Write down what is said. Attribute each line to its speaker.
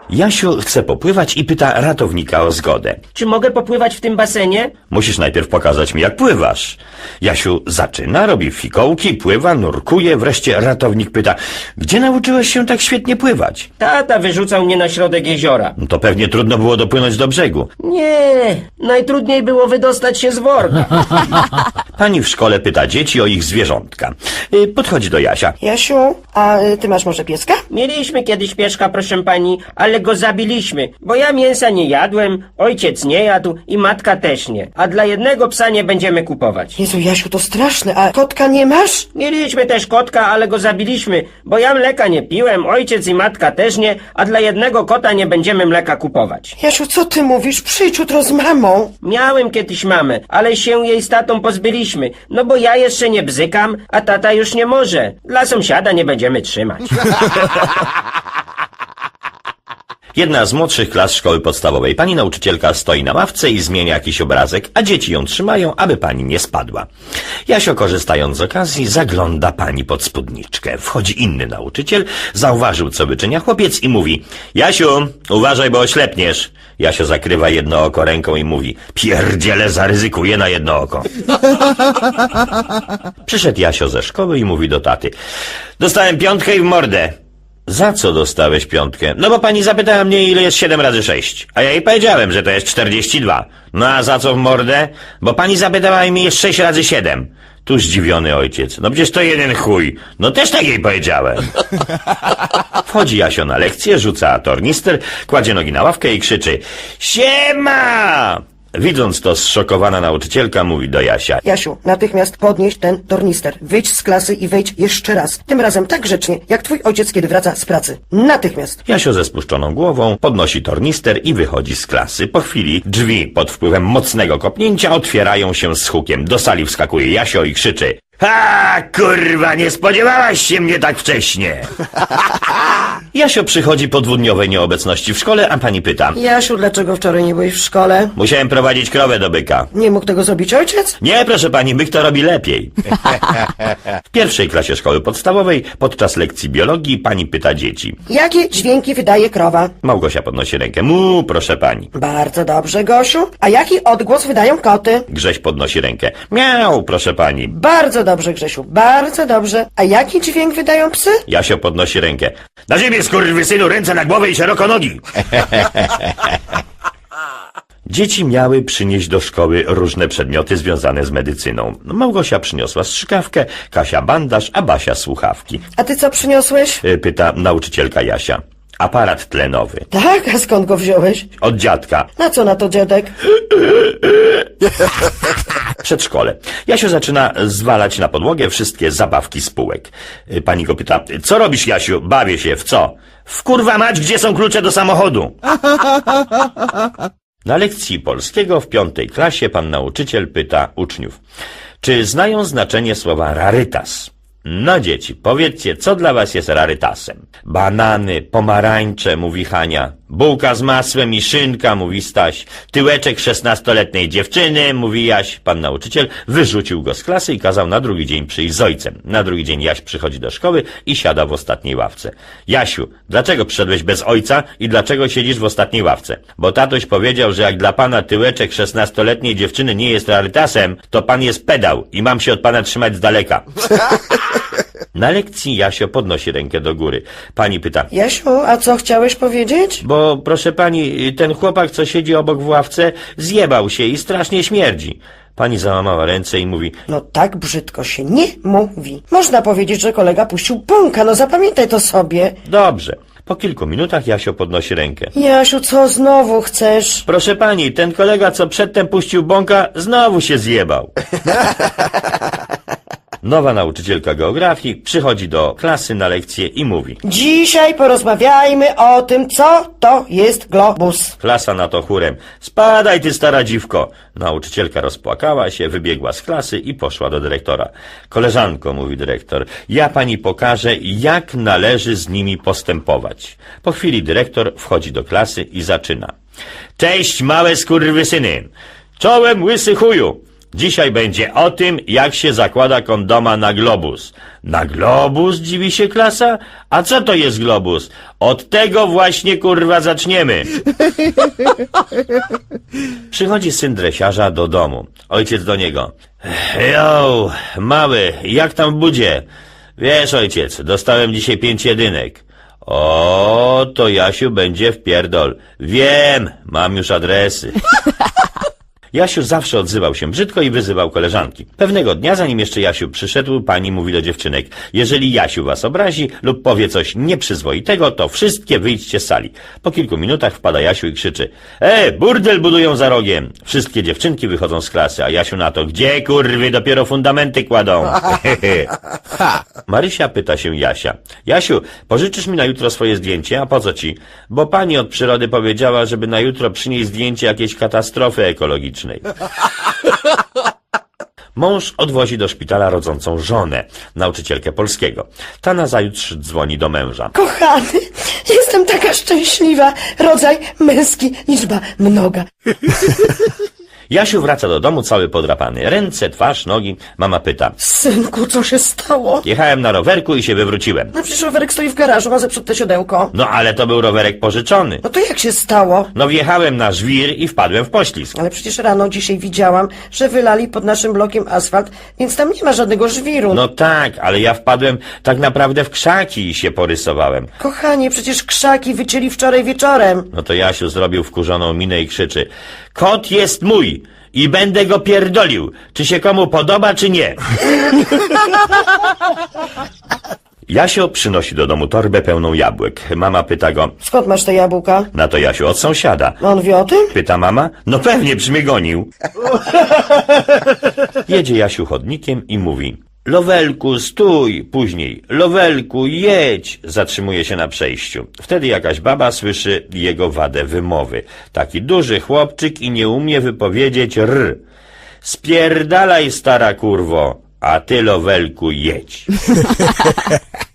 Speaker 1: Jasiu chce popływać i pyta ratownika o zgodę.
Speaker 2: Czy mogę popływać w tym basenie?
Speaker 1: Musisz najpierw pokazać mi, jak pływasz. Jasiu zaczyna, robi fikołki, pływa, nurkuje, wreszcie ratownik pyta, gdzie nauczyłeś się tak świetnie pływać?
Speaker 2: Tata wyrzucał mnie na środek jeziora.
Speaker 1: No to pewnie trudno było dopłynąć do brzegu.
Speaker 2: Nie, najtrudniej było wydostać się z worka.
Speaker 1: Pani w szkole pyta dzieci o ich zwierzątka. Podchodzi do Jasia.
Speaker 3: Jasiu, a ty masz może pieska?
Speaker 2: Mieliśmy kiedyś pieszka, proszę pani, ale go zabiliśmy, bo ja mięsa nie jadłem, ojciec nie jadł i matka też nie. A dla jednego psa nie będziemy kupować.
Speaker 3: Jezu, Jasiu, to straszne, a kotka nie masz?
Speaker 2: Mieliśmy też kotka, ale go zabiliśmy, bo ja mleka nie piłem, ojciec i matka też nie, a dla jednego kota nie będziemy mleka kupować.
Speaker 3: Jasiu, co ty mówisz? Przyjdź jutro z mamą.
Speaker 2: Miałem kiedyś mamę, ale się jej z tatą pozbyliśmy, no bo ja jeszcze nie bzykam, a tata już nie może. Dla sąsiada nie będziemy trzymać.
Speaker 1: Jedna z młodszych klas szkoły podstawowej. Pani nauczycielka stoi na ławce i zmienia jakiś obrazek, a dzieci ją trzymają, aby pani nie spadła. Jasio, korzystając z okazji, zagląda pani pod spódniczkę. Wchodzi inny nauczyciel, zauważył, co wyczynia chłopiec i mówi: Jasiu, uważaj, bo oślepniesz. Jasio zakrywa jedno oko ręką i mówi: pierdziele, zaryzykuję na jedno oko. Przyszedł Jasio ze szkoły i mówi do taty: dostałem 5 i w mordę. Za co dostałeś 5? No bo pani zapytała mnie, ile jest 7 razy 6. A ja jej powiedziałem, że to jest 42. No a za co w mordę? Bo pani zapytała mnie, jest 6 razy 7. Tu zdziwiony ojciec. No przecież to jeden chuj. No też tak jej powiedziałem. Wchodzi Jasio na lekcję, rzuca tornister, kładzie nogi na ławkę i krzyczy: siema! Widząc to, zszokowana nauczycielka mówi do Jasia:
Speaker 3: Jasiu, natychmiast podnieś ten tornister. Wyjdź z klasy i wejdź jeszcze raz. Tym razem tak grzecznie, jak twój ojciec, kiedy wraca z pracy. Natychmiast.
Speaker 1: Jasio ze spuszczoną głową podnosi tornister i wychodzi z klasy. Po chwili drzwi pod wpływem mocnego kopnięcia otwierają się z hukiem. Do sali wskakuje Jasio i krzyczy: ha, kurwa, nie spodziewałaś się mnie tak wcześnie. Jasio przychodzi po 2-dniowej nieobecności w szkole, a pani pyta:
Speaker 3: Jasiu, dlaczego wczoraj nie byłeś w szkole?
Speaker 1: musiałem prowadzić krowę do byka.
Speaker 3: Nie mógł tego zrobić ojciec?
Speaker 1: Nie, proszę pani, byk to robi lepiej. W pierwszej klasie szkoły podstawowej podczas lekcji biologii pani pyta dzieci.
Speaker 3: Jakie dźwięki wydaje krowa?
Speaker 1: Małgosia podnosi rękę. Mu, proszę pani.
Speaker 3: Bardzo dobrze, Gosiu. A jaki odgłos wydają koty?
Speaker 1: Grześ podnosi rękę. Miau, proszę pani.
Speaker 3: Bardzo dobrze, Grzesiu, bardzo dobrze. A jaki dźwięk wydają psy?
Speaker 1: Jasio podnosi rękę. Na ziemię, skurwysynu, ręce na głowę i szeroko nogi. Dzieci miały przynieść do szkoły różne przedmioty związane z medycyną. Małgosia przyniosła strzykawkę, Kasia bandaż, a Basia słuchawki.
Speaker 3: A ty co przyniosłeś?
Speaker 1: Pyta nauczycielka Jasia. Aparat tlenowy.
Speaker 3: Tak, a skąd go wziąłeś?
Speaker 1: Od dziadka.
Speaker 3: Na co na to, dziadek?
Speaker 1: Przedszkole. Jasio zaczyna zwalać na podłogę wszystkie zabawki z półek. Pani go pyta: co robisz, Jasiu? Bawię się. W co? W kurwa mać, gdzie są klucze do samochodu? Na lekcji polskiego w 5. klasie pan nauczyciel pyta uczniów: czy znają znaczenie słowa rarytas? No dzieci, powiedzcie, co dla was jest rarytasem? Banany, pomarańcze, mówi Hania. Bułka z masłem i szynka, mówi Staś. Tyłeczek 16-letniej dziewczyny, mówi Jaś. Pan nauczyciel wyrzucił go z klasy i kazał na drugi dzień przyjść z ojcem. Na drugi dzień Jaś przychodzi do szkoły i siada w ostatniej ławce. Jasiu, dlaczego przyszedłeś bez ojca i dlaczego siedzisz w ostatniej ławce? Bo tatuś powiedział, że jak dla pana tyłeczek 16-letniej dziewczyny nie jest rarytasem, to pan jest pedał i mam się od pana trzymać z daleka. Na lekcji Jasio podnosi rękę do góry. Pani pyta:
Speaker 3: Jasiu, a co chciałeś powiedzieć?
Speaker 1: bo proszę pani, ten chłopak, co siedzi obok w ławce, zjebał się i strasznie śmierdzi. Pani załamała ręce i mówi:
Speaker 3: No tak brzydko się nie mówi. Można powiedzieć, że kolega puścił bąka, no zapamiętaj to sobie.
Speaker 1: dobrze. Po kilku minutach Jasio podnosi rękę.
Speaker 3: Jasiu, co znowu chcesz?
Speaker 1: Proszę pani, ten kolega, co przedtem puścił bąka, znowu się zjebał. Nowa nauczycielka geografii przychodzi do klasy na lekcję i mówi:
Speaker 3: Dzisiaj porozmawiajmy o tym, co to jest globus.
Speaker 1: Klasa na to chórem: spadaj, ty stara dziwko. Nauczycielka rozpłakała się, wybiegła z klasy i poszła do dyrektora. Koleżanko, mówi dyrektor, ja pani pokażę, jak należy z nimi postępować. Po chwili dyrektor wchodzi do klasy i zaczyna: cześć, małe skurwysyny. Czołem, łysy chuju. Dzisiaj będzie o tym, jak się zakłada kondoma na globus. Na globus, dziwi się klasa? A co to jest globus? Od tego właśnie, kurwa, zaczniemy. Przychodzi syn dresiarza do domu. Ojciec do niego. Jo, mały, jak tam w budzie? Wiesz, ojciec, dostałem dzisiaj 5 jedynek. O, to Jasiu będzie w pierdol. Wiem, mam już adresy. Jasiu zawsze odzywał się brzydko i wyzywał koleżanki. Pewnego dnia, zanim jeszcze Jasiu przyszedł, pani mówi do dziewczynek: jeżeli Jasiu was obrazi lub powie coś nieprzyzwoitego, to wszystkie wyjdźcie z sali. Po kilku minutach wpada Jasiu i krzyczy: burdel budują za rogiem. Wszystkie dziewczynki wychodzą z klasy, a Jasiu na to: gdzie, kurwy, dopiero fundamenty kładą. Marysia pyta się Jasia: Jasiu, pożyczysz mi na jutro swoje zdjęcie? A po co ci? Bo pani od przyrody powiedziała, żeby na jutro przynieść zdjęcie jakiejś katastrofy ekologicznej. Mąż odwozi do szpitala rodzącą żonę, nauczycielkę polskiego. Ta nazajutrz dzwoni do męża.
Speaker 3: Kochany, jestem taka szczęśliwa. Rodzaj męski, liczba mnoga.
Speaker 1: Jasiu wraca do domu cały podrapany. Ręce, twarz, nogi. Mama pyta:
Speaker 3: Synku, co się stało?
Speaker 1: jechałem na rowerku i się wywróciłem.
Speaker 3: No przecież rowerek stoi w garażu, ma zepsute siodełko.
Speaker 1: No ale to był rowerek pożyczony.
Speaker 3: No to jak się stało?
Speaker 1: No wjechałem na żwir i wpadłem w poślizg.
Speaker 3: Ale przecież rano dzisiaj widziałam, że wylali pod naszym blokiem asfalt, więc tam nie ma żadnego żwiru.
Speaker 1: No tak, ale ja wpadłem tak naprawdę w krzaki i się porysowałem.
Speaker 3: Kochanie, przecież krzaki wycięli wczoraj wieczorem.
Speaker 1: No to Jasiu zrobił wkurzoną minę i krzyczy: kot jest mój i będę go pierdolił, czy się komu podoba, czy nie. Jasio przynosi do domu torbę pełną jabłek. Mama pyta go:
Speaker 3: Skąd masz te jabłka?
Speaker 1: na to Jasiu: od sąsiada.
Speaker 3: A on wie o tym?
Speaker 1: Pyta mama: no pewnie, przy mnie gonił. Jedzie Jasiu chodnikiem i mówi: Lowelku, stój! Później: Lowelku, jedź! Zatrzymuje się na przejściu. Wtedy jakaś baba słyszy jego wadę wymowy. Taki duży chłopczyk i nie umie wypowiedzieć r. Spierdalaj, stara kurwo, a ty, Lowelku, jedź.